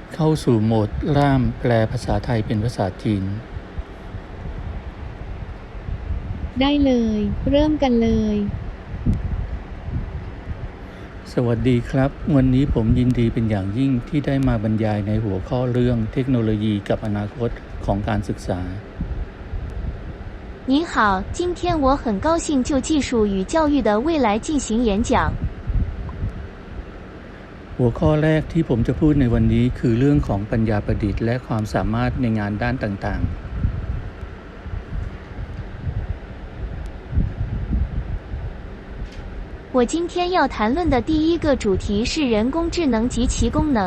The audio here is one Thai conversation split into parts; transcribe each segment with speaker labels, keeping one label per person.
Speaker 1: เข้าสู่โหมดร่ามแปลภาษาไทยเป็นภาษาจีน
Speaker 2: ได้เลยเริ่มกันเลย
Speaker 1: สวัสดีครับวันนี้ผมยินดีเป็นอย่างยิ่งที่ได้มาบรรยายในหัวข้อเรื่องเทคโนโลยีกับอนาคตของการศึกษา
Speaker 2: 您好，今天我很高兴就技术与教育的未来进行演讲。
Speaker 1: หัวข้อแรกที่ผมจะพูดในวันนี้คือเรื่องของปัญญาประดิษฐ์และความสามารถในงานด้านต่าง
Speaker 2: 我今天要谈论的第一个主题是人工智能及其功能。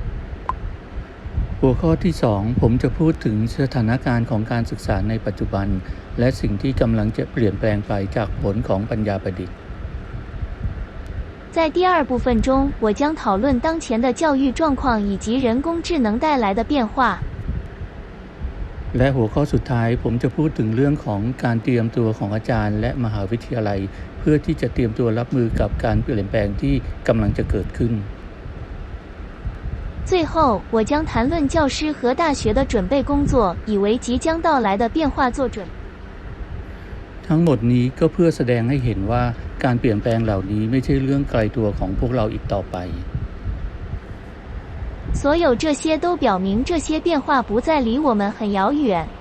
Speaker 1: หัวข้อที่2ผมจะพูดถึงสถานการณ์ของการศึกษาในปัจจุบันและสิ่งที่กำลังจะเปลี่ยนแปลงไปจากผลของปัญญาประดิษฐ์
Speaker 2: 在第二部分中，我将讨论当前的教育状况以及人工智能带来的变化。
Speaker 1: และหัวข้อสุดท้ายผมจะพูดถึงเรื่องของการเตรียมตัวของอาจารย์และมหาวิทยาลัยเพื่อที่จะเตรียมตัวรับมือกับการเปลี่ยนแปลงที่กำลังจะเกิดขึ้น
Speaker 2: 最后，我将谈论教师和大学的准备工作，以为即将到来的变化做准。
Speaker 1: ทั้งหมดนี้ก็เพื่อแสดงให้เห็นว่าการเปลี่ยนแปลงเหล่านี้ไม่ใช่เรื่องไกลตัวของพวกเราอีกต่อไป
Speaker 2: 所有这些都表明这些变化不再离我们很遥远。